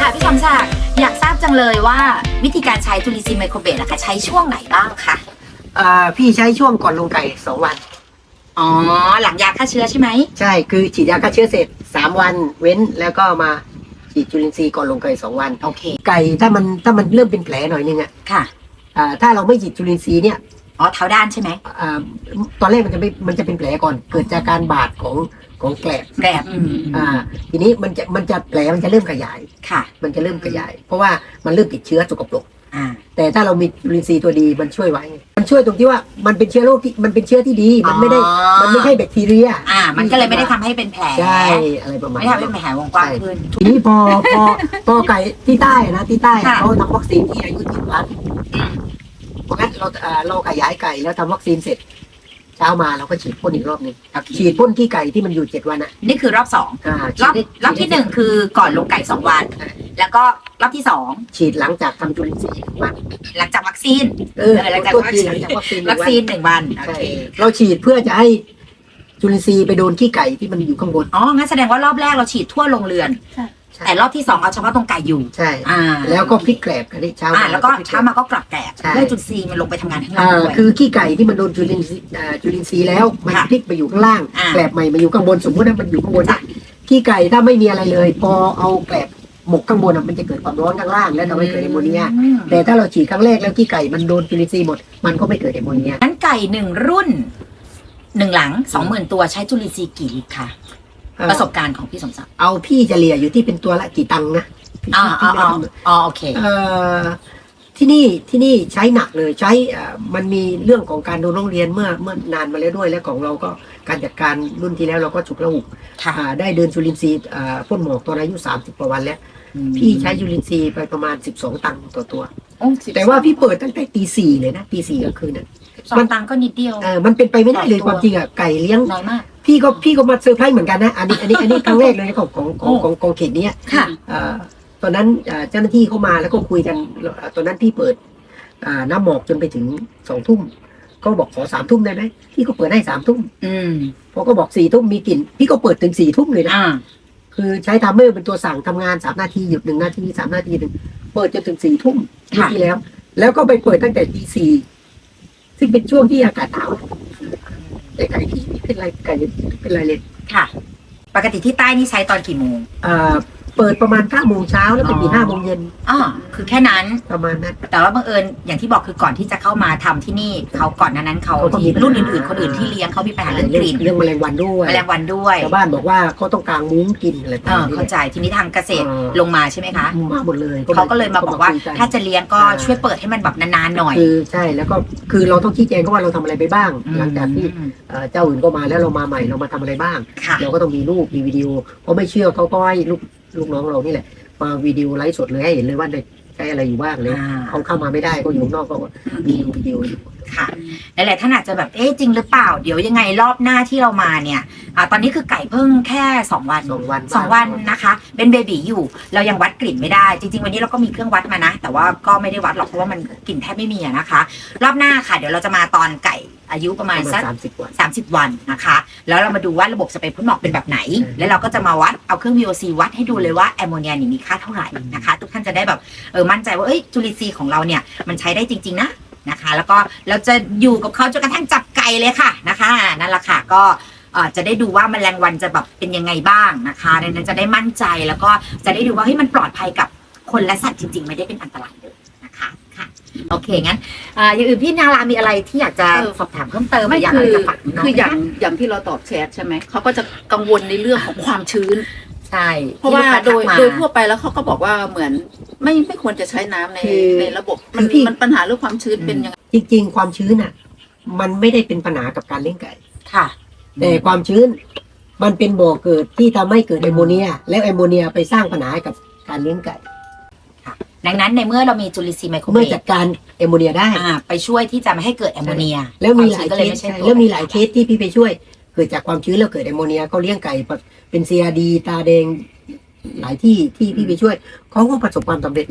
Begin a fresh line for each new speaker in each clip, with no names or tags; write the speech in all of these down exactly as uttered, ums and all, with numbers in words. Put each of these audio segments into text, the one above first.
พี่สมศักดิ์อยากทราบจังเลยว่าวิธีการใช้จุลินทรีย์ไมโครเบสนะคะใช้ช่วงไหนบ้างคะ
อ่าพี่ใช้ช่วงก่อนลงไก่สองวัน
อ๋อหลังยาฆ่าเชื้อใช่ไหม
ใช่คือฉีดยาฆ่าเชื้อเสร็จสามวันเว้นแล้วก็มาฉีดจุลินทรีย์ก่อนลงไก่สองวัน
โอเค
ไก่ถ้ามันถ้ามันเริ่มเป็นแผลหน่อยนึงอ่ะ
ค่ะ
อ่าถ้าเราไม่ฉีดจุลินทรีย์เนี่ย
อ๋อเท้าด้านใช่ไหม
อ่าตอนแรกมันจะไม่มันจะเป็นแผลก่อนเกิดจากการบาดของของแกลบ
แกลบ
อ่าทีนี้มันจะมันจะแผลมันจะเริ่มขยาย
ค่ะ
มันจะเริ่มขยายเพราะว่ามันเริ่มติดเชื้อสกปรกแต่ถ้าเรามีจุลินทรีย์ตัวดีมันช่วยไว้มันช่วยตรงที่ว่ามันเป็นเชื้อโรคที่มันเป็นเชื้อที่ดีมันไม่ได้มันไม่ใช่แบคทีเรีย
อ่ามันก็เลยไม่ได้ทำให้เป็นแผล
ใช่อะไรประมาณ
ไม่ทำให้เป็นแผลวงกว้างขึ้น
ทีนี้พอพอพอไก่ที่ใต้นะที่ใต้เขาทำวัคซีนที่อายุเจ็ดวันเพราะงั้นเราเราขยายไก่แล้วทำวัคซีนเสร็จเช้ามาเราก็ฉีดพ่นอีกรอบหนึ่งฉีดพ่นที่ไก่ที่มันอยู่เจ็ดวันอ่ะ
นี่คือรอบสองรอบรอบที่หนึ่งคือก่อนลงไก่สองวันแล้วก็รอบที่สอง
ฉีดหลังจากทำจุลินทรีย์วัน
หลังจากวัคซีน
เออหลังจากวัคซีนหลังจากวัคซีน
วัคซีนหนึ่งวันโอเค
เราฉีดเพื่อจะให้จุลินทรีย์ไปโดนขี้ไก่ที่มันอยู่ข้างบน
อ๋องั้นแสดงว่ารอบแรกเราฉีดทั่วโรงเรือนแต่รอบที่สองเอาเฉพาะตรงไก่อยู่
ใช่แล้วก็พลิกแกลบกันที่เช้า
มาแล้วก็เช้ามาก็กลับแกลบเพื่อจุลินทรีย์มันลงไปทำงานข้างล่างด้วย
คือขี้ไก่ที่มันโดนจุลินทรีย์จุลินทรีย์แล้วมันพลิกไปอยู่ข้างล่างแกลบใหม่มาอยู่ข้างบนสมมติว่ามันอยู่ข้างบนขี้ไก่ถ้าไม่มีอะไรเลยพอเอาแกลบหมกข้างบนมันจะเกิดความร้อนข้างล่างแล้วทำให้เกิดแอมโมเนียแต่ถ้าเราฉีดครั้งแรกแล้วขี้ไก่มันโดนจุลินทรีย์หมดมันก็ไม่เกิดแอมโมเนีย
นั้นไก่หนึ่งรุ่นหนึ่งหลังสองหมื่นตัวใช้จุลินทรีย์กี่ลิตรค่ะประสบการณ์ของพี่สมศักดิ์
เอาพี่เฉลี่ยอยู่ที่เป็นตัวละกี่ตังค์นะ
อ๋ออ๋ออ๋อโอเค
เอ่อที่นี่ที่นี่ใช้หนักเลยใช้มันมีเรื่องของการดูโรงเรียนเมื่อเมื่อนานมาแล้วด้วยและของเราก็การจัดการรุ่นที่แล้วเราก็ฉุกละหุกได้เดินจุลินทรีย์พ่นหมอกตอนอายุสามสิบกว่าวันแล้วพี่ใช้จุลินทรีย์ไปประมาณสิบสองตังค์ต่อตัวแต่ว่าพี่เปิดตั้งแต่ตีสี่เลยนะตีสี่ก็คือนะ
มันตังก็นิดเดียว
เออมันเป็นไปไม่ได้เลยความจริงอ่ะไก่เลี้ยง
น้อยมาก
พี่ก็พี่ก็มาเซอร์ไพรส์เหมือนกันนะอันนี้อันนี้อันนี้ครั้งแรกเลยของของของของของเขตนี้
ค่ะ
ตอนนั้นเจ้าหน้าที่เข้ามาแล้วก็คุยกันตอนนั้นพี่เปิดน้ำหมอกจนไปถึงสองทุ่มก็บอกขอสามทุ่มได้ไหมพี่ก็เปิดให้สามทุ่มพอก็บอกสี่ทุ่มมีกลิ่นพี่ก็เปิดถึงสี่ทุ่มเลยนะคือใช้ทัมเมอร์เป็นตัวสั่งทำงานสามนาทีหยุดหนึ่งนาทีสามนาทีหนึ่งเปิดจนถึงสี่ทุ่มที่แล้วแล้วก็ไปเปิดตั้งแต่ตีสี่ซึ่งเป็นช่วงที่อากาศหนาวแต่ไก่ที่เป็นไรไก่เป็นไรเลย
ค่ะปกติที่ใต้นี่ใช้ตอนกี่โมง
อ่าเปิดประมาณเก้าโมงเช้าแล้วไปปิดห้าโมงเย็น
อ๋อคือแค่นั้น
ประมาณนั้น
แต่ว่าบังเอิญอย่างที่บอกคือก่อนที่จะเข้ามาทำที่นี่เขาก่อนนั้นเขาที่รุ่นอื่นๆคนอื่นที่เลี้ยงเขามีปัญหาเรื่องกลิ่น
เรื่องแมลงวันด้วย
แมลงวันด้วย
ชาวบ้านบอกว่าเขาต้องกางมุ้งกินอะไรประมาณนี้
เข้าใจทีนี้ทางเกษตรลงมาใช่ไหมคะ
มาหมดเลย
เขาก็เลยมาบอกว่าถ้าจะเลี้ยงก็ช่วยเปิดให้มันแบบนานๆหน่อย
คือใช่แล้วก็คือเราต้องชี้แจงก็ว่าเราทำอะไรไปบ้างหลังจากที่เจ้าอื่นก็มาแล้วเรามาใหม่เรามาทำอะไรบ้างเราก็ต้องมีรูปมีวิดีโอเพราะไม่เชื่อเขาก็ให้ลูกลูกน้องเรานี่แหละมาวิดีโอไลฟ์สดเลยให้เห็นเลยว่าได้ใช้อะไรอยู่บ้างเลยเขาเข้ามาไม่ได้ก็อยู่นอกก็มีวิดีโออยู่
ค่ะหลายๆท่านอาจจะแบบเอ๊ะจริงหรือเปล่าเดี๋ยวยังไงรอบหน้าที่เรามาเนี่ยอ่าตอนนี้คือไก่เพิ่งแค่สองวัน
สองวัน
สองวันนะคะเป็นเบบีอยู่เรายังวัดกลิ่นไม่ได้จริงๆวันนี้เราก็มีเครื่องวัดมานะแต่ว่าก็ไม่ได้วัดหรอกเพราะว่ามันกลิ่นแทบไม่มีนะคะรอบหน้าค่ะเดี๋ยวเราจะมาตอนไก่อายุประมาณสัก
สามสิบวัน
สามสิบวันนะคะแล้วเรามาดูว่าระบบสเปรย์พ่นหมอกเป็นแบบไหนแล้วเราก็จะมาวัดเอาเครื่อง วี โอ ซี วัดให้ดูเลยว่าแอมโมเนียนี่มีค่าเท่าไหร่นะคะทุกท่านจะได้แบบเออมั่นใจว่าเอ้ยจุลินทรีย์ของเราเนี่ยมันใช้ได้จริงๆนะนะคะแล้วก็เราจะอยู่กับเขาจนกระทั่งจับไก่เลยค่ะนะคะนั่นแหละค่ะก็จะได้ดูว่าแมลงวันจะแบบเป็นยังไงบ้างนะคะดังนั้นจะได้มั่นใจแล้วก็จะได้ดูว่าเฮ้ยมันปลอดภัยกับคนและสัตว์จริงๆไม่ได้เป็นอันตรายเลยนะคะค่ะโอเคงั้นอย่างอื่นพี่นารามีอะไรที่อยากจะสอบถามเพิ่มเติม
ไม่
อยาก
จะ
ฝากน้อง
คืออย่างอย่างที่เราตอบแชทใช่ไหมเขาก็จะกังวลในเรื่องของความชื้น
ใช่
เพราะว่าโดยโดยทั่วไปแล้วเขาก็บอกว่าเหมือนไม่ไม่ควรจะใช้น้ำในในระบบมันมันปัญหาเรื่องความชื้นเป็นยังไง
จริงๆความชื้นอ่ะมันไม่ได้เป็นปัญหากับการเลี้ยงไก่
ค่ะ
แต่ความชื้นมันเป็นบ่อเกิดที่ทำให้เกิดแอมโมเนียแล้วแอมโมเนียไปสร้างปัญหากับการเลี้ยงไก่
ดังนั้นในเมื่อเรามีจุลินทรีย์ไมโครเบส
เมื่อจัดการแอมโมเนียได้
ไปช่วยที่จะไม่ให้เกิดแอมโมเนีย
แล้วมีหลายเคสแล้วมีหลายเคสที่พี่ไปช่วยเกิดจากความชื้นแล้วเกิดแอมโมเนียก็เลี้ยงไก่เป็น ซี อาร์ ดี ตาแดงหลายที่ที่พี่ไปช่วยเขาก็ประสบความสำเร็จมา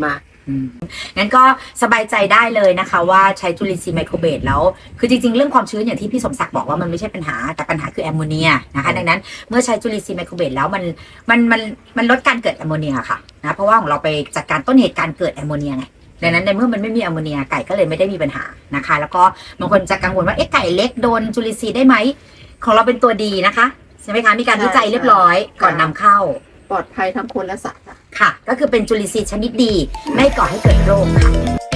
งั้นก็สบายใจได้เลยนะคะว่าใช้จุลินทรีย์ไมโครเบสแล้วคือจริงๆเรื่องความชื้นอย่างที่พี่สมศักดิ์บอกว่ามันไม่ใช่ปัญหาแต่ปัญหาคือแอมโมเนียนะคะดังนั้นเมื่อใช้จุลินทรีย์ไมโครเบสแล้วมันมันมันมันลดการเกิดแอมโมเนียค่ะนะเพราะว่าของเราไปจัดการต้นเหตุการเกิดแอมโมเนียไงดังนั้นในเมื่อมันไม่มีแอมโมเนียไก่ก็เลยไม่ได้มีปัญหานะคะแล้วก็บางคนจะกังวลว่าเอ๊ะไก่เล็กโดนจุลินทรีย์ได้ไหมของเราเป็นตัวดีนะคะใช่ไหมคะมีการวิจัยเรียบร้อยก่อนนำเข้า
ปลอดภัยทั้งคนและสัตว์
ค่ะก็คือเป็นจุลินทรีย์ชนิดดีไม่ก่อให้เกิดโรคค่ะ